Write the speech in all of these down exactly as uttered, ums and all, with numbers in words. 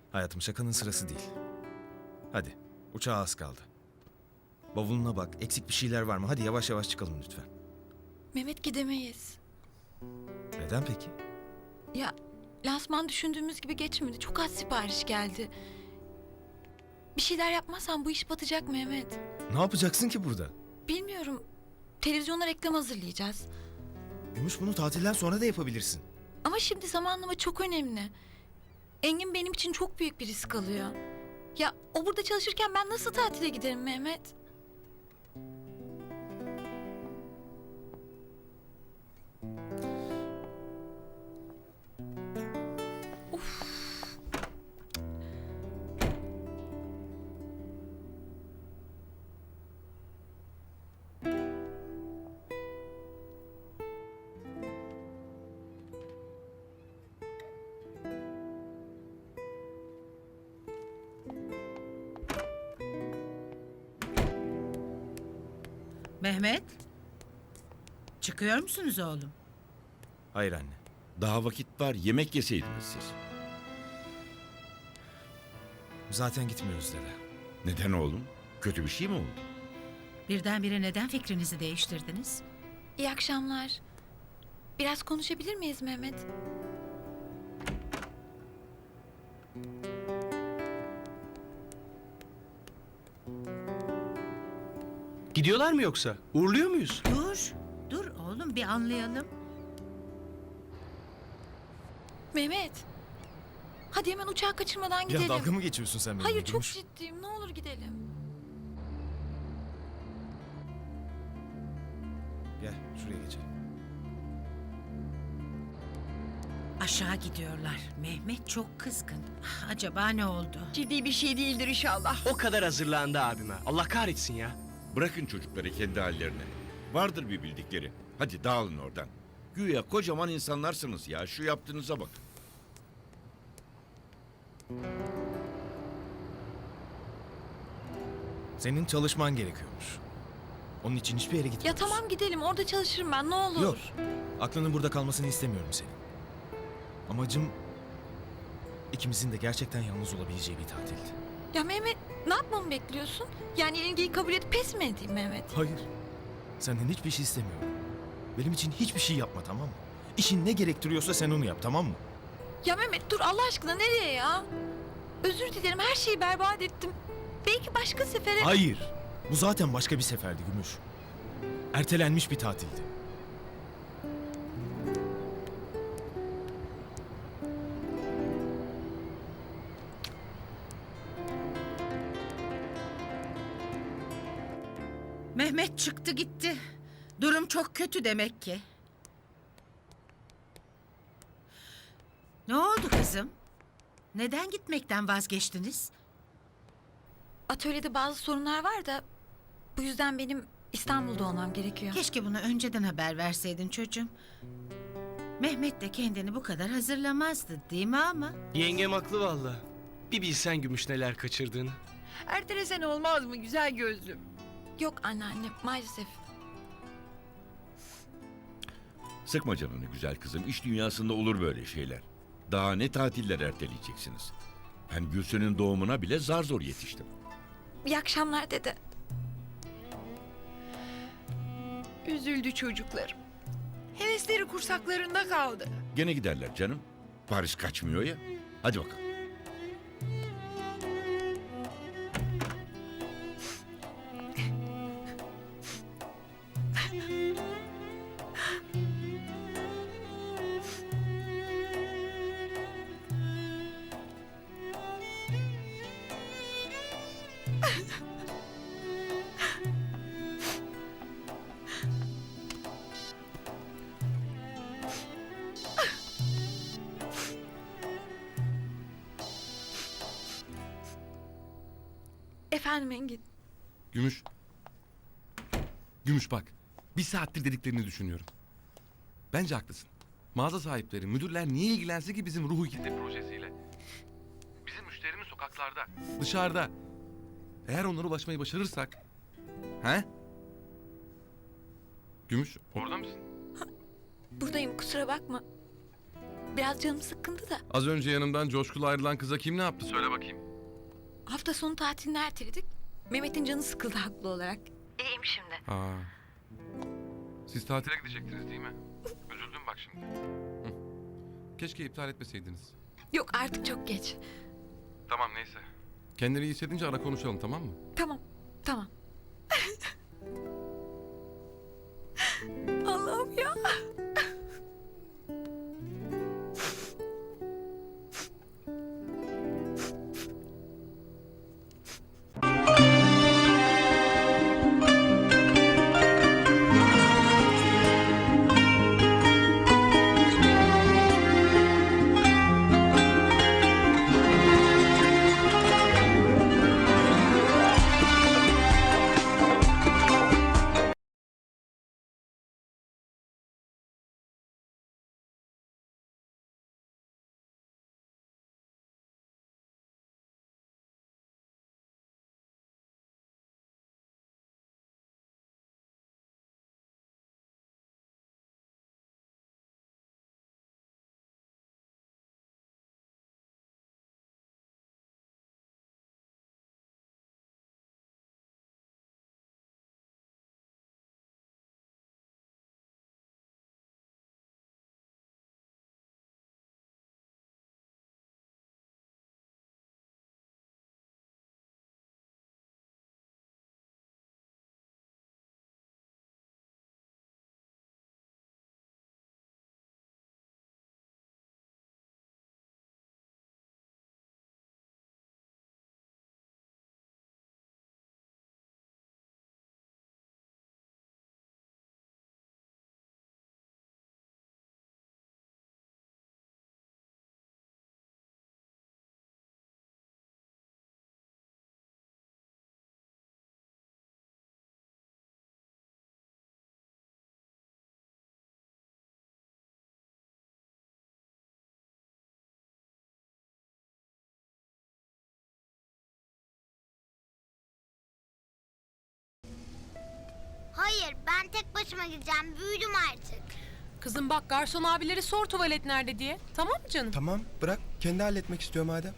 Hayatım, şakanın sırası değil. Hadi, uçağa az kaldı. Bavuluna bak, eksik bir şeyler var mı? Hadi yavaş yavaş çıkalım lütfen. Mehmet, gidemeyiz. Neden peki? Ya lansman düşündüğümüz gibi geçmedi. Çok az sipariş geldi. Bir şeyler yapmazsan bu iş batacak Mehmet. Ne yapacaksın ki burada? Bilmiyorum. Televizyona reklam hazırlayacağız. Gümüş, bunu tatilden sonra da yapabilirsin. Ama şimdi zamanlama çok önemli. Engin benim için çok büyük bir risk alıyor. Ya o burada çalışırken ben nasıl tatile giderim Mehmet? Mehmet, çıkıyor musunuz oğlum? Hayır anne. Daha vakit var, yemek yeseydiniz siz. Zaten gitmiyoruz dede. Neden oğlum? Kötü bir şey mi oldu? Birdenbire neden fikrinizi değiştirdiniz? İyi akşamlar. Biraz konuşabilir miyiz Mehmet? Gidiyorlar mı yoksa? Uğurluyor muyuz? Dur, dur oğlum bir anlayalım. Mehmet. Hadi hemen uçağı kaçırmadan Ya gidelim. dalga mı geçiyorsun sen benimle? Hayır, çok Gümüş? ciddiyim. Ne olur gidelim. Gel, şuraya geçelim. Aşağı gidiyorlar. Mehmet çok kızgın. Ah, acaba ne oldu? Ciddi bir şey değildir inşallah. O kadar hazırlandı abime. Allah kahretsin ya. Bırakın çocukları kendi hallerine. Vardır bir bildikleri. Hadi dağılın oradan. Güya kocaman insanlarsınız ya. Şu yaptığınıza bakın. Senin çalışman gerekiyormuş. Onun için hiçbir yere Ya gitmiyoruz. tamam gidelim. Orada çalışırım ben. Ne olur. Yok. Aklının burada kalmasını istemiyorum senin. Amacım ikimizin de gerçekten yalnız olabileceği bir tatildi. Ya Mehmet, ne yapmamı bekliyorsun? Yani ilgiyi kabul edip pes mi edeyim Mehmet? Hayır. Senden hiçbir şey istemiyorum. Benim için hiçbir şey yapma, tamam mı? İşin ne gerektiriyorsa sen onu yap, tamam mı? Ya Mehmet dur Allah aşkına, nereye ya? Özür dilerim, her şeyi berbat ettim. Belki başka sefere... Hayır. Bu zaten başka bir seferdi Gümüş. Ertelenmiş bir tatildi. Mehmet çıktı gitti. Durum çok kötü demek ki. Ne oldu kızım? Neden gitmekten vazgeçtiniz? Atölyede bazı sorunlar var da... Bu yüzden benim İstanbul'da olmam gerekiyor. Keşke bunu önceden haber verseydin çocuğum. Mehmet de kendini bu kadar hazırlamazdı değil mi ama? Yengem haklı valla. Bir bilsen Gümüş neler kaçırdığını. Ertelesen olmaz mı güzel gözlüm? Yok anneanne, maalesef. Sıkma canını güzel kızım. İş dünyasında olur böyle şeyler. Daha ne tatiller erteleyeceksiniz? Ben Gülsün'ün doğumuna bile zar zor yetiştim. İyi akşamlar dede. Üzüldü çocuklarım. Hevesleri kursaklarında kaldı. Gene giderler canım. Paris kaçmıyor ya. Hadi bakalım. Efendim Engin. Gümüş. Gümüş bak. Bir saattir dediklerini düşünüyorum. Bence haklısın. Mağaza sahipleri, müdürler niye ilgilense ki bizim ruhu kitle projesiyle? Bizim müşterimiz sokaklarda, dışarıda. Eğer onlara ulaşmayı başarırsak... He? Gümüş, orada mısın? Buradayım, kusura bakma. Biraz canım sıkkındı da. Az önce yanımdan coşkulu ayrılan kıza kim ne yaptı söyle bakayım. Hafta sonu tatilini erteledik. Mehmet'in canı sıkıldı haklı olarak. İyiyim şimdi. Ha. Siz tatile gidecektiniz değil mi? Üzüldüm bak şimdi. Hı. Keşke iptal etmeseydiniz. Yok artık çok geç. Tamam neyse. Kendini iyi hissedince ara konuşalım tamam mı? Tamam, tamam. Allah'ım ya. Hayır, ben tek başıma gideceğim. Büyüdüm artık. Kızım bak garson abileri sor tuvalet nerede diye. Tamam mı canım? Tamam bırak kendi halletmek istiyor madem.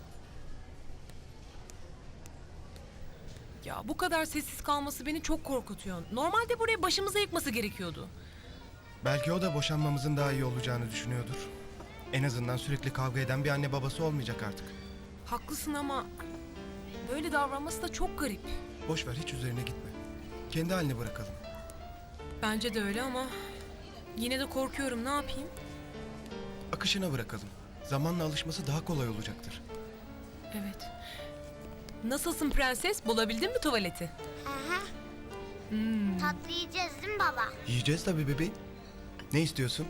Ya bu kadar sessiz kalması beni çok korkutuyor. Normalde buraya başımıza yıkması gerekiyordu. Belki o da boşanmamızın daha iyi olacağını düşünüyordur. En azından sürekli kavga eden bir anne babası olmayacak artık. Haklısın ama böyle davranması da çok garip. Boş ver hiç üzerine gitme. Kendi haline bırakalım. Bence de öyle ama yine de korkuyorum, ne yapayım? Akışına bırakalım. Zamanla alışması daha kolay olacaktır. Evet. Nasılsın prenses? Bulabildin mi tuvaleti? Hı hı. Hmm. Tatlı yiyeceğiz değil mi baba? Yiyeceğiz tabii bebeğim. Ne istiyorsun?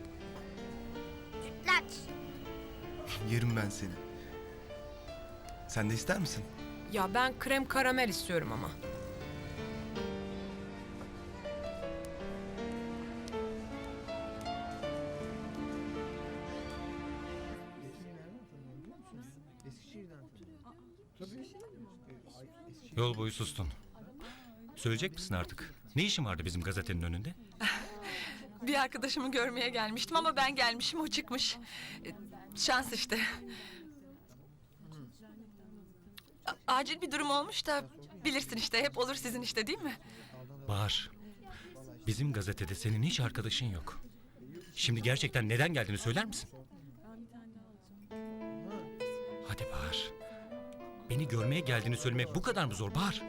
Sütlaç. Yerim ben seni. Sen de ister misin? Ya ben krem karamel istiyorum ama. Yol boyu sustun. Söyleyecek misin artık? Ne işin vardı bizim gazetenin önünde? Bir arkadaşımı görmeye gelmiştim ama ben gelmişim, o çıkmış. E, Şans işte. A- acil bir durum olmuş da bilirsin işte, hep olur sizin işte değil mi? Bahar, bizim gazetede senin hiç arkadaşın yok. Şimdi gerçekten neden geldiğini söyler misin? Hadi Bahar. Beni görmeye geldiğini söylemek bu kadar mı zor Bahar?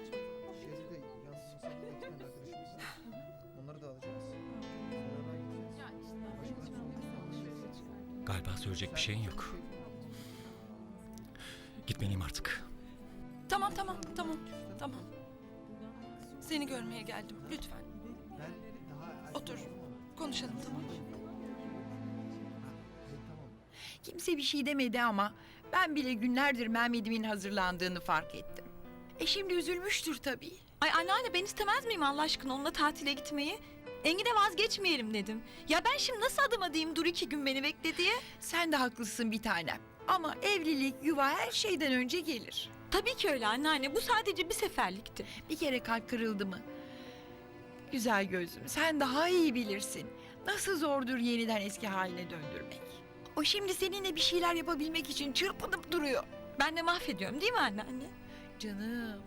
Galiba söyleyecek bir şeyin yok. Gitmeliyim artık. Tamam tamam tamam tamam. Seni görmeye geldim, lütfen. Otur, konuşalım, tamam mı? Kimse bir şey demedi ama ben bile günlerdir Mehmet'imin hazırlandığını fark ettim. E şimdi üzülmüştür tabii. Ay anneanne, ben istemez miyim Allah aşkına onunla tatile gitmeyi? Engin'e vazgeçmeyelim dedim. Ya ben şimdi nasıl adıma diyeyim dur iki gün beni bekle diye? Sen de haklısın bir tanem. Ama evlilik, yuva her şeyden önce gelir. Tabii ki öyle anneanne, bu sadece bir seferlikti. Bir kere kalp kırıldı mı? Güzel gözüm, sen daha iyi bilirsin. Nasıl zordur yeniden eski haline döndürmek. O şimdi seninle bir şeyler yapabilmek için çırpınıp duruyor. Ben de mahvediyorum değil mi anneanne? Canım.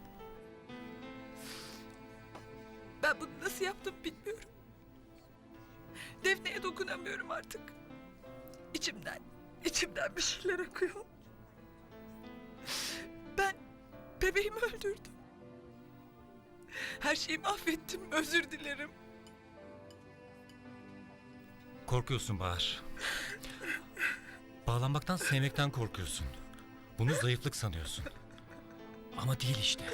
Ben bunu nasıl yaptım bilmiyorum. Defne'ye dokunamıyorum artık. İçimden, içimden bir şeyler akıyor. Ben bebeğimi öldürdüm. Her şeyi mahvettim, özür dilerim. Korkuyorsun Bahar. Bağlanmaktan, sevmekten korkuyorsun. Bunu zayıflık sanıyorsun. Ama değil işte.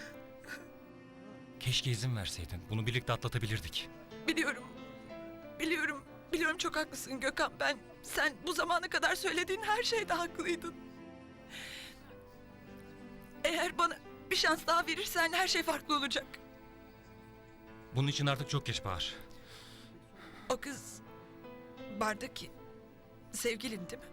Keşke izin verseydin. Bunu birlikte atlatabilirdik. Biliyorum, biliyorum, biliyorum çok haklısın Gökhan. Ben, sen bu zamana kadar söylediğin her şeyde haklıydın. Eğer bana bir şans daha verirsen her şey farklı olacak. Bunun için artık çok geç Bahar. O kız bardaki sevgilin değil mi?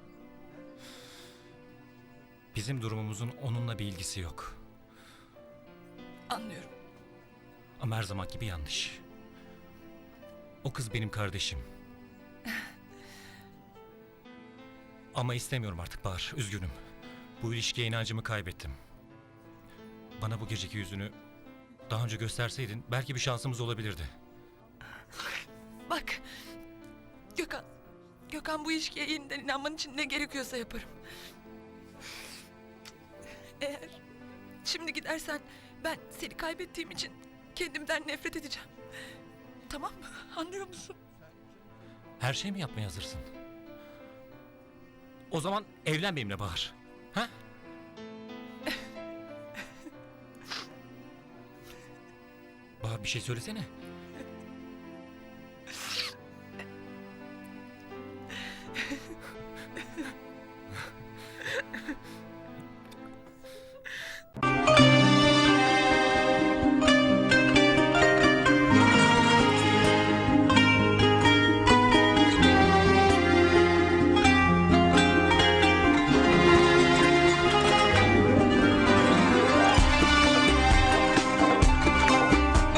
Bizim durumumuzun onunla bir ilgisi yok. Anlıyorum. Ama her zaman gibi yanlış. O kız benim kardeşim. Ama istemiyorum artık Bahar, üzgünüm. Bu ilişkiye inancımı kaybettim. Bana bu geceki yüzünü daha önce gösterseydin belki bir şansımız olabilirdi. Bak Gökhan, Gökhan bu ilişkiye yeniden inanman için ne gerekiyorsa yaparım. Eğer şimdi gidersen ben seni kaybettiğim için kendimden nefret edeceğim. Tamam mı? Anlıyor musun? Her şey mi yapmaya hazırsın? O zaman evlen benimle Bahar. Ha? Bahar bir şey söylesene.